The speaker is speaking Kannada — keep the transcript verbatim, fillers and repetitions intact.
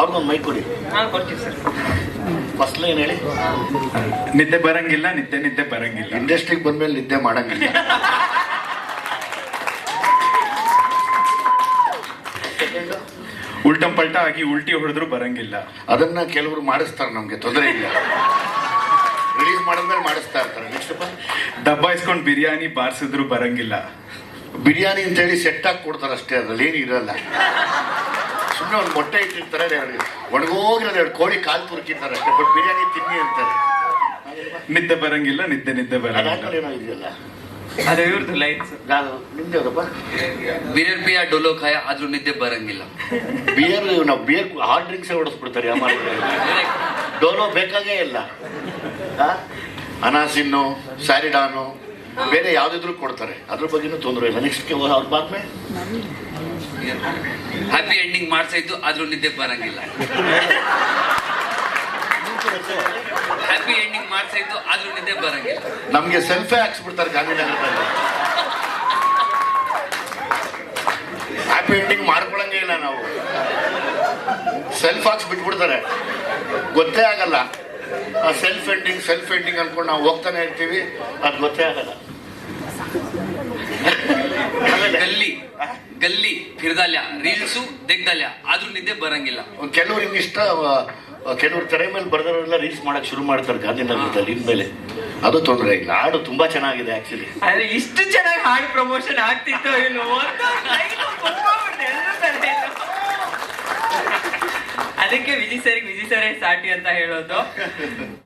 ಅವ್ರಿಗೊಂದು ಮೈಕ್ ಕೊಡಿ. ಹಾಂ ಕೊಡ್ತೀವಿ ಸರ್. ಫಸ್ಟ್ ಲೈನ್ ಹೇಳಿ. ನಿದ್ದೆ ಬರಂಗಿಲ್ಲ, ನಿದ್ದೆ ನಿದ್ದೆ ಬರಂಗಿಲ್ಲ. ಇಂಡಸ್ಟ್ರಿಗೆ ಬಂದ್ಮೇಲೆ ನಿದ್ದೆ ಮಾಡಂಗಿಲ್ಲ. ಉಲ್ಟಂ ಪಲ್ಟ ಆಗಿ ಉಲ್ಟಿ ಹೊಡೆದ್ರು ಬರಂಗಿಲ್ಲ. ಅದನ್ನ ಕೆಲವರು ಮಾಡಿಸ್ತಾರೆ, ನಮ್ಗೆ ತೊಂದರೆ ಇಲ್ಲ. ರಿಲೀಸ್ ಮಾಡಿದ್ಮೇಲೆ ಮಾಡಿಸ್ತಾ ಇರ್ತಾರೆ. ನೆಕ್ಸ್ಟ್ ದಬ್ಬಾಯಿಸ್ಕೊಂಡು ಬಿರಿಯಾನಿ ಬಾರಿಸಿದ್ರು ಬರಂಗಿಲ್ಲ. ಬಿರಿಯಾನಿ ಅಂತೇಳಿ ಸೆಟ್ ಹಾಕಿ ಕೊಡ್ತಾರೆ ಅಷ್ಟೇ, ಅದ್ರಲ್ಲಿ ಏನು ಇರಲ್ಲ. ಸುಮ್ಮನೆ ಒಂದು ಮೊಟ್ಟೆ ಇಟ್ಟಿರ್ತಾರೆ, ಒಣಗೋಗಿರೋದು ಎರಡು ಕೋಳಿ ಕಾಲು ತುರುಕಿರ್ತಾರೆ ಅಷ್ಟೇ, ಬಟ್ ಬಿರಿಯಾನಿ ತಿನ್ನಿ ಅಂತಾರೆ. ನಿದ್ದೆ ಬರಂಗಿಲ್ಲ, ನಿದ್ದೆ ನಿದ್ದೆ ಬರಂಗಿಲ್ಲ. ಅದಾದ್ಮೇಲೆ ಏನೋ ಇದೆಯಲ್ಲ, ಅದು ಇವ್ರದ್ದು ಲೈನ್ಸ್. ನಿಮ್ದೆ ಯಾವ್ದಪ್ಪ? ಬಿಯರ್ ಪಿಯ ಡೊಲೋ ಖಾಯ ಆದ್ರೂ ನಿದ್ದೆ ಬರಂಗಿಲ್ಲ. ಬಿಯರ್ ನಾವು ಬಿಯರ್ ಹಾರ್ಡ್ ಡ್ರಿಂಕ್ಸ್ ಹೊಡೆಸ್ಬಿಡ್ತಾರೆ ಯಾವ ಡೋಲೋ ಬೇಕಾಗೇ ಇಲ್ಲ. ಅನಾಸಿನ್ನು, ಸ್ಯಾರಿಡಾನು, ಬೇರೆ ಯಾವ್ದಿದ್ರು ಕೊಡ್ತಾರೆ, ಅದ್ರ ಬಗ್ಗೆನೂ ತೊಂದರೆ ಇಲ್ಲ. ನೆಕ್ಸ್ಟ್ ಅವ್ರ ಬಾದ್ಮೆ ಹ್ಯಾಪಿ ಎಂಡಿಂಗ್ ಮಾಡ್ಸಾಯ್ತು ಆದ್ರೂ ನಿದ್ದೆ ಬರಂಗಿಲ್ಲ. ಹ್ಯಾಪಿ ಎಂಡಿಂಗ್ ಮಾಡ್ಸಾಯ್ತು ಆದ್ರೂ ನಿದ್ದೆ ಬರಂಗಿಲ್ಲ. ನಮ್ಗೆ ಸೆಲ್ಫೇ ಹಾಕ್ಸ್ಬಿಡ್ತಾರೆ ಗಾಂಧಿನಗರದಲ್ಲಿ. ಹ್ಯಾಪಿ ಎಂಡಿಂಗ್ ಮಾಡ್ಕೊಳಂಗೇ ಇಲ್ಲ ನಾವು. ಸೆಲ್ಫ್ ಹಾಕ್ಸ್ ಬಿಟ್ಬಿಡ್ತಾರೆ, ಗೊತ್ತೇ ಆಗಲ್ಲ. ಆ ಸೆಲ್ಫ್ ಎಂಡಿಂಗ್ ಸೆಲ್ಫ್ ಎಂಡಿಂಗ್ ಅನ್ಕೊಂಡು ನಾವು ಹೋಗ್ತಾನೆ ಇರ್ತೀವಿ, ಅದು ಗೊತ್ತೇ ಆಗಲ್ಲ. ಗಲ್ಲಿ ಗಲ್ಲಿ ಫಿರ್ದಾಲ್ಯ ರೀಲ್ಸು ತೆಗ್ದಲ್ಯ ಆದ್ರೂ ನಿದ್ದೆ ಬರಂಗಿಲ್ಲ. ಕೆಲವ್ರು ಇಷ್ಟ, ಕೆಲವ್ರು ತೆರೆ ಮೇಲೆ ಬರ್ದವರೆಲ್ಲ ರೀಲ್ಸ್ ಮಾಡಕ್ ಶುರು ಮಾಡ್ತಾರೆ ಗಾಂಧಿನಗರದಲ್ಲಿ ಇನ್ಮೇಲೆ. ಅದು ತೊಂದರೆ ಇಲ್ಲ. ಹಾಡು ತುಂಬಾ ಚೆನ್ನಾಗಿದೆ ಆಕ್ಚುಲಿ. ಆದ್ರೆ ಇಷ್ಟು ಚೆನ್ನಾಗಿ ಹಾಡು ಪ್ರಮೋಷನ್ ಆಗ್ತಿತ್ತು ಇಲ್ವೋ ಅಂತ ಅದಕ್ಕೆ ವಿಜಯ್ ಸರ್ ವಿಜಯ್ ಸರೇ ಸಾಟಿ ಅಂತ ಹೇಳೋದು.